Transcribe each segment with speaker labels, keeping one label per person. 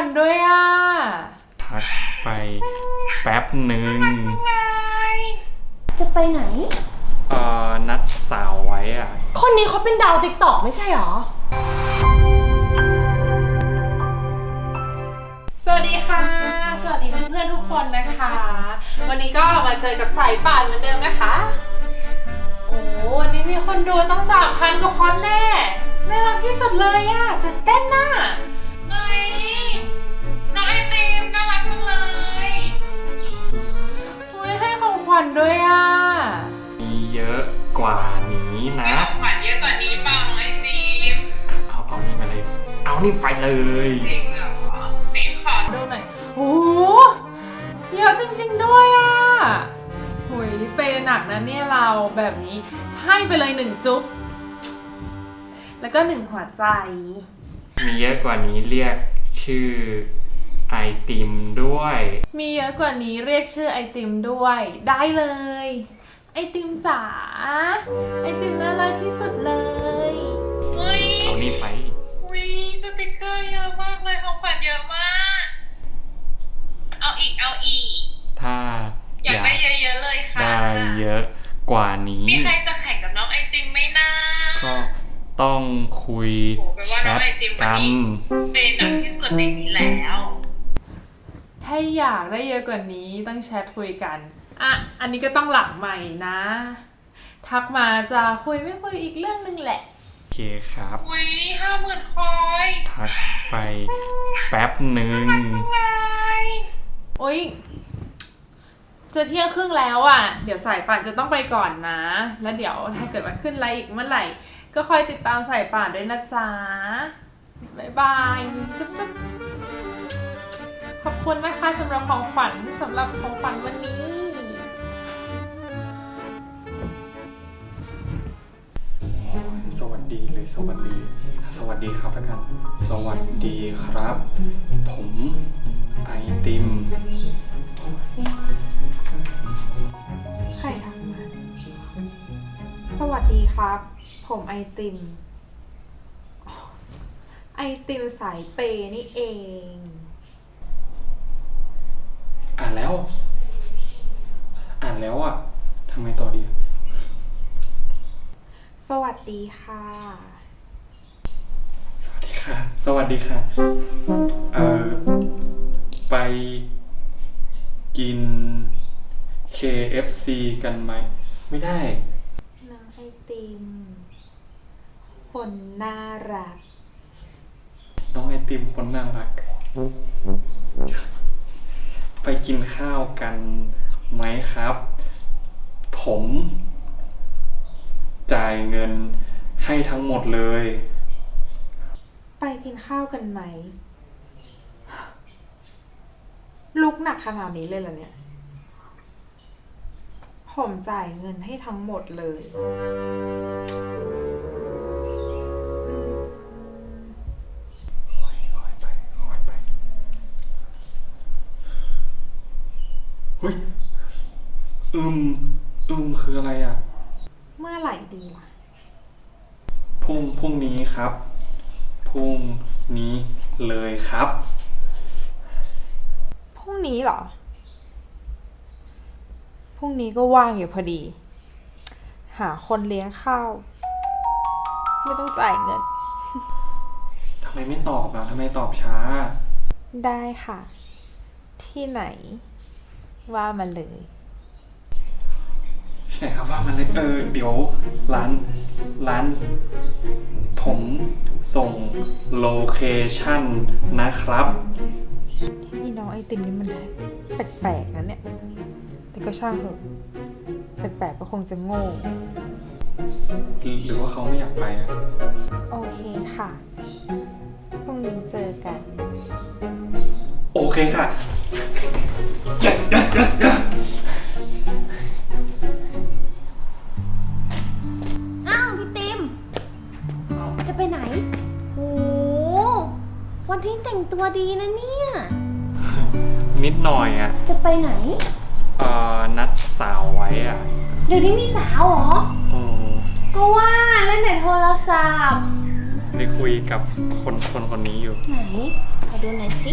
Speaker 1: ญด้วยอ่ะ
Speaker 2: ทักไปแป๊บหนึ่ง
Speaker 3: จะไปไหน
Speaker 2: นัดสาวไว้อ่ะ
Speaker 3: คนนี้เขาเป็นดาวติ๊กต็อกไม่ใช่หรอ
Speaker 1: สวัสดีค่ะสวัสดีเพื่อนๆทุกคนนะคะวันนี้ก็มาเจอกับสายป่านเหมือนเดิมนะคะโอ้วันนี้มีคนดูตั้ง 3,000 กว่าคนแน่น่ารักที่สุดเลยอ่ะตื่นเต้นน่ะ
Speaker 4: เฮ้ยน้องไอติมน่ารักจังเลย
Speaker 1: ให้ของขวัญด้วยอ่ะ
Speaker 2: มีเยอะกว่านี้นะ
Speaker 4: มีของขวัญเยอะกว่านี้เปล่าน้องไอติม
Speaker 2: เอานี่ไปเลยเอานี่ไปเลย
Speaker 4: จริงเหรอติมขอ
Speaker 1: ดูหน่อยโอ้เยอะจริงๆด้วยอ่ะหุยเปย์หนักนะเนี่ยเราแบบนี้ให้ไปเลย1จุ๊บแล้วก็1หัวใจ
Speaker 2: มีเยอะกว่านี้เรียกชื่อไอติมด้วย
Speaker 1: มีเยอะกว่านี้เรียกชื่อไอติมด้วยได้เลยไอติมจ๋าไอติมน่ารักที่สุดเลย
Speaker 2: เอานี่ไป
Speaker 4: สติกเกอร์เยอะมากเลยของขวัญเยอะมากเอาอีก
Speaker 2: ถ้า
Speaker 4: อยากได้เยอะๆเลยค่ะ
Speaker 2: ได้เยอะกว่านี้
Speaker 4: มีใครจะแข่งกับน้องไอติมไหมนะ
Speaker 2: ก็ต้องคุยแชทกัน
Speaker 4: เป็นหนักที่สุดในนี้แล้ว
Speaker 1: ถ้าอยากได้เยอะกว่านี้ต้องแชทคุยกันอันนี้ก็ต้องหลังใหม่นะทักมาจะคุยไม่คุยอีกเรื่องนึงแหละ
Speaker 2: โอเคครับ
Speaker 4: 50,000 คอย
Speaker 2: ทักไปแป๊บหนึ่ง
Speaker 1: โอ๊ยจะเที่ยงครึ่งแล้วอ่ะเดี๋ยวสายป่านจะต้องไปก่อนนะแล้วเดี๋ยวถ้าเกิดว่าขึ้นไลฟ์อีกเมื่อไหร่ก็คอยติดตามสายป่านด้วยนะจ๊ะบ๊ายบายจุ๊บขอบคุณนะคะสำหรับของขวัญวันนี้
Speaker 2: สวัสดีหรือสวัสดีครับแล้วกันสวัสดีครับผมไอติม
Speaker 1: ใครทักมาสวัสดีครับผมไอติมสายเปย์นี่เอง
Speaker 2: อ่านแล้วอ่ะทำไมต่อดี
Speaker 1: สวัสดีค่ะ
Speaker 2: ไปกิน KFC กันไหมไม่ได้
Speaker 1: น้องไอติมคนน่ารัก
Speaker 2: ไปกินข้าวกันไหมครับผมจ่ายเงินให้ทั้งหมดเลย
Speaker 1: ไปกินข้าวกันไหมลุกหนักขนาดนี้เลยเหรอเนี่ยผมจ่ายเงินให้ทั้งหมดเลย
Speaker 2: เฮ้ยคืออะไรอ่ะ
Speaker 1: เมื่อไหร่ดีล่ะ
Speaker 2: พรุ่งนี้ครับพรุ่งนี้เลยครับ
Speaker 1: พรุ่งนี้เหรอพรุ่งนี้ก็ว่างอยู่พอดีหาคนเลี้ยงข้าวไม่ต้องจ่ายเงิน
Speaker 2: ทำไมไม่ตอบอ่ะทำไมตอบช้า
Speaker 1: ได้ค่ะที่ไหนว่ามาเลย
Speaker 2: ไหนครับว่ามันเลยเดี๋ยวร้านผมส่งโลเคชั่นนะครับ
Speaker 1: นี่น้องไอติมนี่มันแปลกๆนะเนี่ยแต่ก็ช่างเถอะแปลกๆก็คงจะโง่
Speaker 2: หรือว่าเขาไม่อยากไปอ่ะ
Speaker 1: โอเคค่ะพรุ่งนี้เจอกัน
Speaker 2: โอเคค่ะ yes
Speaker 3: อ้าวพี่ติมจะไปไหนโหวันที่แต่งตัวดีนะเนี่ย
Speaker 2: นิดหน่อยอ่ะ
Speaker 3: จะไปไหน
Speaker 2: นัดสาวไว้อ่ะ
Speaker 3: เดี๋ยวนี้มีสาวเหรอ
Speaker 2: โอ้
Speaker 3: ก็ว่าเล่นแต่โทรศัพท์
Speaker 2: ได้คุยกับคนนี้อยู่
Speaker 3: ไหนขอดูหน่อยสิ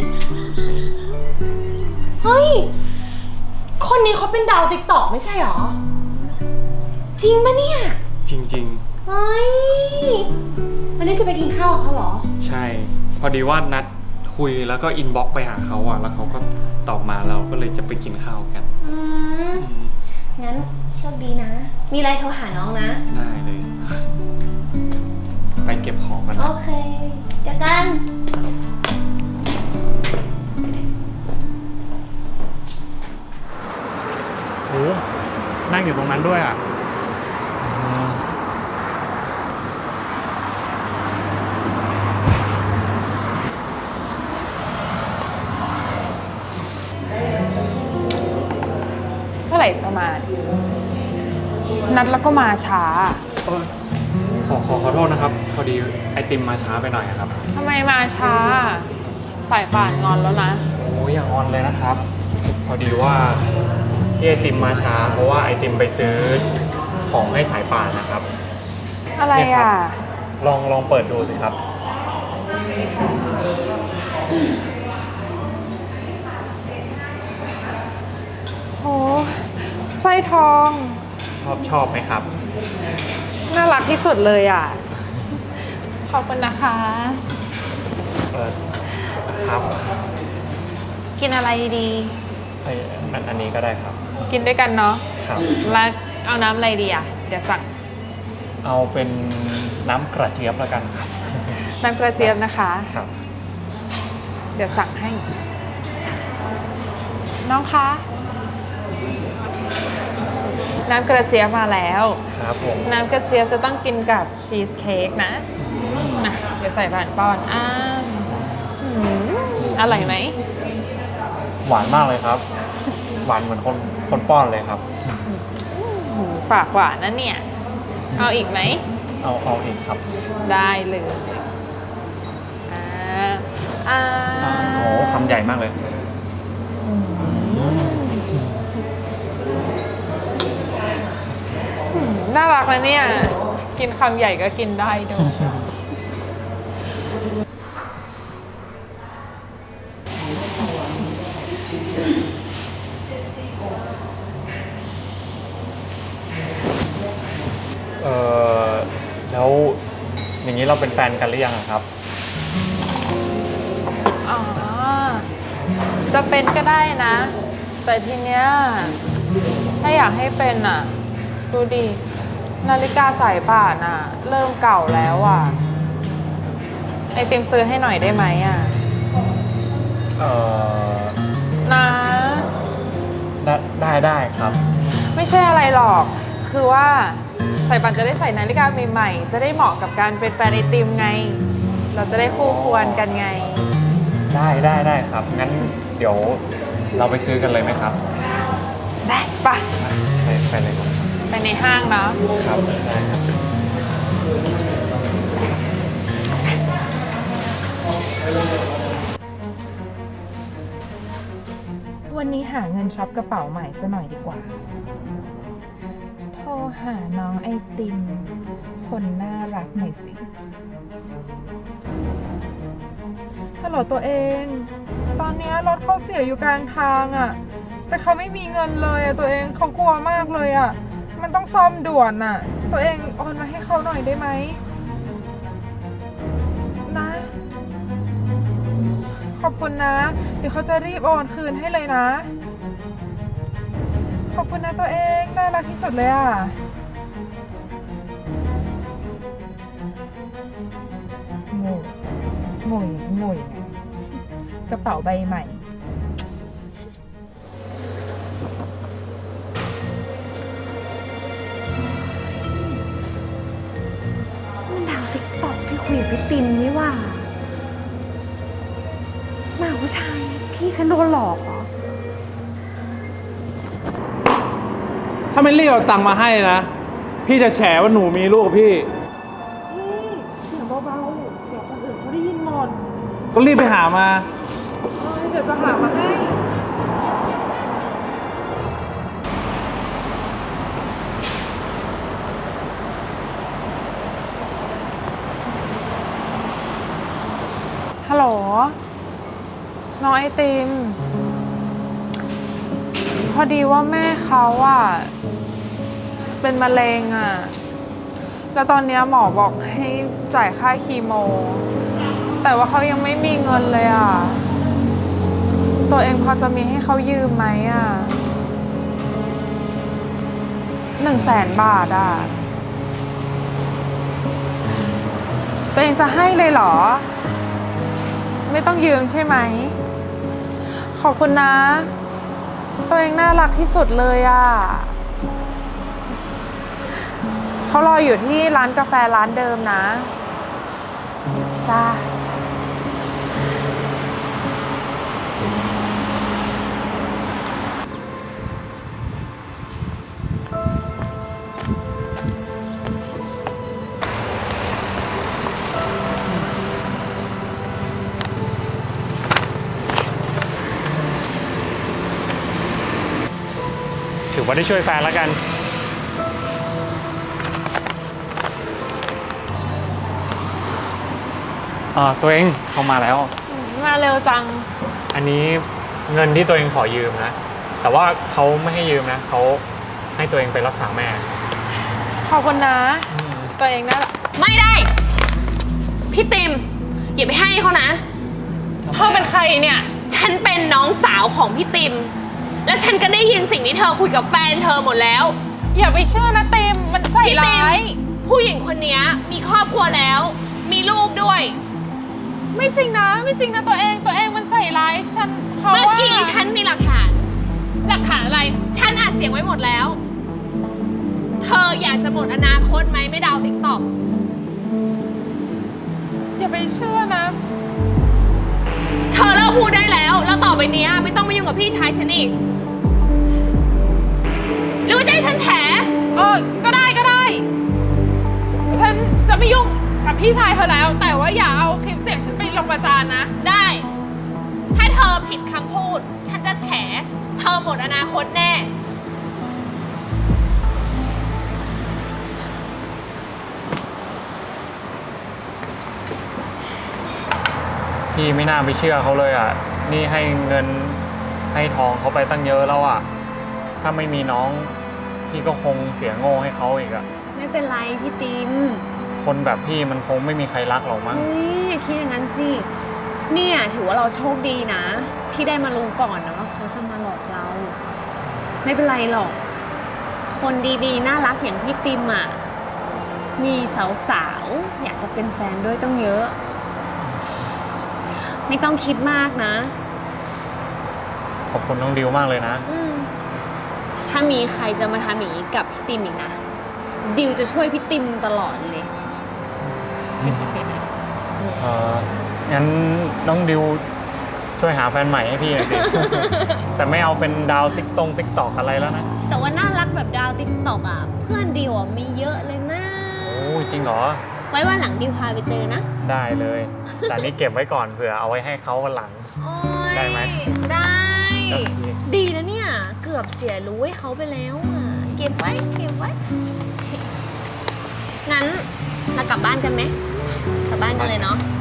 Speaker 3: เฮ้ย คนนี้เขาเป็นดาวติ๊กต็อกไม่ใช่หรอ จริงปะเนี่ย
Speaker 2: จริง
Speaker 3: เฮ้ย วันนี้จะไปกินข้าวกับเขาเหรอ
Speaker 2: ๆ ใช่ พอดีว่านัดคุยแล้วก็อินบ็อกซ์ไปหาเขาอะแล้วเขาก็ตอบมาเราก็เลยจะไปกินข้าวกัน
Speaker 3: อืม งั้นโชคดีนะ มีอะไรโทรหาน้องนะ
Speaker 2: ได้เลย ไปเก็บของกัน
Speaker 3: โอ
Speaker 2: นะ
Speaker 3: เคเจอกัน
Speaker 2: โอ้นั่งอยู่ตรงนั้นด้วยอ่ะ
Speaker 1: เมื่อไหร่จะมา นัดแล้วก็มาช้า
Speaker 2: ขอโทษนะครับ พอดีไอติมมาช้าไปหน่อยอะครับ
Speaker 1: ทำไมมาช้าสายป่านงอนแล้วนะ
Speaker 2: โอ้ยอย่างออนเลยนะครับ พอดีว่าที่ไอติมมาช้า เพราะว่าไอติมไปซื้อของให้สายป่านนะครับ
Speaker 1: อะไร
Speaker 2: เนี่ยครั
Speaker 1: อ่ะ
Speaker 2: บ ลองเปิดดูสิครับ
Speaker 1: โอ้สร้อยทอง
Speaker 2: ชอบไหมครับ
Speaker 1: น่ารักที่สุดเลยอ่ะ ขอบคุณนะคะ
Speaker 2: ครับ
Speaker 1: กินอะไรดี
Speaker 2: อันนี้ก็ได้ครับ
Speaker 1: กินด้วยกันเนาะ
Speaker 2: ครับ
Speaker 1: แล้วเอาน้ำอะไรดีอ่ะ เดี๋ยวสั่ง
Speaker 2: เอาเป็นน้ำกระเจี๊ยบแล้วกันครับ
Speaker 1: น้ำกระเจี๊ยบนะคะ
Speaker 2: ครับ
Speaker 1: เดี๋ยวสั่งให้ น้องคะ น้ำกระเจี๊ยบมาแล้ว
Speaker 2: ครับผม
Speaker 1: น้ำกระเจี๊ยบจะต้องกินกับชีสเค้กนะอ่ะเดี๋ยวใส่ผ่านป้อนอืมอร่อยไหม
Speaker 2: หวานมากเลยครับ หวานเหมือนคนป้อนเลยครับ
Speaker 1: ฝากหวานนะเนี่ย เอาอีกไหม
Speaker 2: เอาอีกครับ
Speaker 1: ได้เลยอ่า
Speaker 2: โอ้คำใหญ่มากเลย
Speaker 1: น่ารักนะเนี่ย กินคำใหญ่ก็กินได้ด้วย
Speaker 2: แล้วอย่างนี้เราเป็นแฟนกันหรือยังอะครับ
Speaker 1: อ๋อ จะเป็นก็ได้นะ แต่ทีเนี้ยถ้าอยากให้เป็นอ่ะ ดูดิ นาฬิกาสายป่านอ่ะ เริ่มเก่าแล้วอ่ะ ไอติมซื้อให้หน่อยได้ไหมอ่ะ นะ
Speaker 2: ได้ครับ
Speaker 1: ไม่ใช่อะไรหรอก คือว่าสายป่านจะได้ใส่นาฬิกาใหม่ๆ จะได้เหมาะกับการเป็นแฟนไอติมไง เราจะได้คู่ควรกันไง
Speaker 2: ได้ครับ งั้นเดี๋ยวเราไปซื้อกันเลยไหมครับ
Speaker 1: ได้ปะ
Speaker 2: ไปเลยครับ
Speaker 1: ไปในห้างเนาะ
Speaker 2: ครับได้ครับ
Speaker 1: วันนี้หาเงินช็อปกระเป๋าใหม่ซะหน่อยดีกว่า โทรหาน้องไอติม คนน่ารักหน่อยสิ ฮัลโหลตัวเอง ตอนนี้รถเขาเสียอยู่กลางทางอะ่ะ แต่เขาไม่มีเงินเลยอะ่ะตัวเองเขากลัวมากเลยอะ่ะ มันต้องซ่อมด่วนอ่ะ ตัวเองโอนมาให้เขาหน่อยได้ไหม นะ ขอบคุณนะ เดี๋ยวเขาจะรีบโอนคืนให้เลยนะ ขอบคุณนะตัวเองน่ารักที่สุดเลยอ่ะ โง่โง่โง่ยังไงกระเป๋าใบใหม่
Speaker 3: มันดาวติ๊กต็อกที่คุยกับพี่ติมนี่ว่าหมาผู้ชาย พี่ฉันโดนหลอกเหรอ
Speaker 5: ถ้าไม่รีบเอาตังค์มาให้นะ พี่จะแฉว่าหนูมีลูกกับพี่
Speaker 1: เสียงเบาๆ เดี๋ยวคนอื่นเขาได้ยินหมด
Speaker 5: ก็รีบไปหามา
Speaker 1: เดี๋ยวจะหามาให้น้องไอติม พอดีว่าแม่เขาอะเป็นมะเร็งอะแล้วตอนเนี้ยหมอบอกให้จ่ายค่าคีโม แต่ว่าเขายังไม่มีเงินเลยอะตัวเองพอจะมีให้เขายืมไหมอะ100,000 บาทอะตัวเองจะให้เลยเหรอ ไม่ต้องยืมใช่ไหม ขอบคุณนะ ตัวเองน่ารักที่สุดเลยอะเขารออยู่ที่ร้านกาแฟร้านเดิมนะ จ้า
Speaker 2: ถือว่าได้ช่วยแฟนแล้วกันตัวเองเขามาแล้ว
Speaker 1: มาเร็วจัง
Speaker 2: อันนี้เงินที่ตัวเองขอยืมนะ แต่ว่าเขาไม่ให้ยืมนะ เขาให้ตัวเองไปรักษาแม่
Speaker 1: ขอบคุณนะ ตัวเองน่ารัก
Speaker 3: ไม่ได้ พี่ติมอย่าไปให้เขานะ
Speaker 1: เธอเป็นใครเนี่ย
Speaker 3: ฉันเป็นน้องสาวของพี่ติม และฉันก็ได้ยินสิ่งที่เธอคุยกับแฟนเธอหมดแล้ว
Speaker 1: อย่าไปเชื่อนะเต็มมันใส่
Speaker 3: พี่ติ
Speaker 1: ร้าม ย
Speaker 3: ผู้หญิงคนนี้มีครอบครัวแล้ว มีลูกด้วย
Speaker 1: ไม่จริงนะ ไม่จริงนะตัวเองมันใส่ร้ายฉันเพราะ
Speaker 3: เมื่อ
Speaker 1: ว่า
Speaker 3: กี้ฉันมีหลักฐาน
Speaker 1: หลักฐานอะไร
Speaker 3: ฉันอัดเสียงไว้หมดแล้ว เธออยากจะหมดอนาคตไหมไม่ดาวติ๊กต็อก
Speaker 1: อย่าไปเชื่อนะ
Speaker 3: เธอเลิกพูดได้แล้ว แล้วต่อไปเนี้ยไม่ต้องมายุ่งกับพี่ชายฉันอีก หรือว่าจะให้ฉันแฉ
Speaker 1: ก็ได้ ฉันจะไม่ยุ่งกับพี่ชายเธอแล้ว แต่ว่าอย่าเอาคลิปเสียงฉันไปลงประจานนะ
Speaker 3: ได้ ถ้าเธอผิดคำพูด ฉันจะแฉ เธอหมดอนาคตแน่
Speaker 2: พี่ไม่น่าไปเชื่อเขาเลยอ่ะ นี่ให้เงินให้ทองเขาไปตั้งเยอะแล้วอ่ะ ถ้าไม่มีน้องพี่ก็คงเสียโง่ให้เขาอีกอ่ะ
Speaker 3: ไม่เป็นไรพี่ติม
Speaker 2: คนแบบพี่มันคงไม่มีใครรักหรอกมั้ง
Speaker 3: อุ้ยอย่าคิดอย่างนั้นสิ เนี่ยถือว่าเราโชคดีนะ ที่ได้มารู้ก่อนนะว่าเขาจะมาหลอกเรา ไม่เป็นไรหรอก คนดีๆ น่ารักอย่างพี่ติมอ่ะ มีสาวๆ อยากจะเป็นแฟนด้วยต้องเยอะ ไม่ต้องคิดมากนะ
Speaker 2: ขอบคุณน้องดิวมากเลยนะ
Speaker 3: ถ้ามีใครจะมาทำอย่างนี้กับพี่ติมอีกนะ ดิวจะช่วยพี่ติมตลอดเลย
Speaker 2: งั้นน้องดิวช่วยหาแฟนใหม่ให้พี่หน่อยสิ แต่ไม่เอาเป็นดาวติ๊กตอกอะไรแล้วนะ
Speaker 3: แต่ว่าน่ารักแบบดาวติ๊กต็อกอ่ะ เพื่อนดิวอ่ะมีเยอะเลยนะ
Speaker 2: โอ้จริงเหรอ
Speaker 3: ไว้วันหลังดิวพาไปเจอนะ
Speaker 2: ได้เลย แต่นี่เก็บไว้ก่อนเผื่อเอาไว้ให้เขาวันหลัง
Speaker 3: โอ้ย
Speaker 2: ได้ไหม
Speaker 3: ได้
Speaker 2: โอเค
Speaker 3: ดีนะเนี่ย เกือบเสียรู้ให้เขาไปแล้วอ่ะ เก็บไว้ งั้นเรากลับบ้านกันไหมกลับบ้านกันเลยเนาะ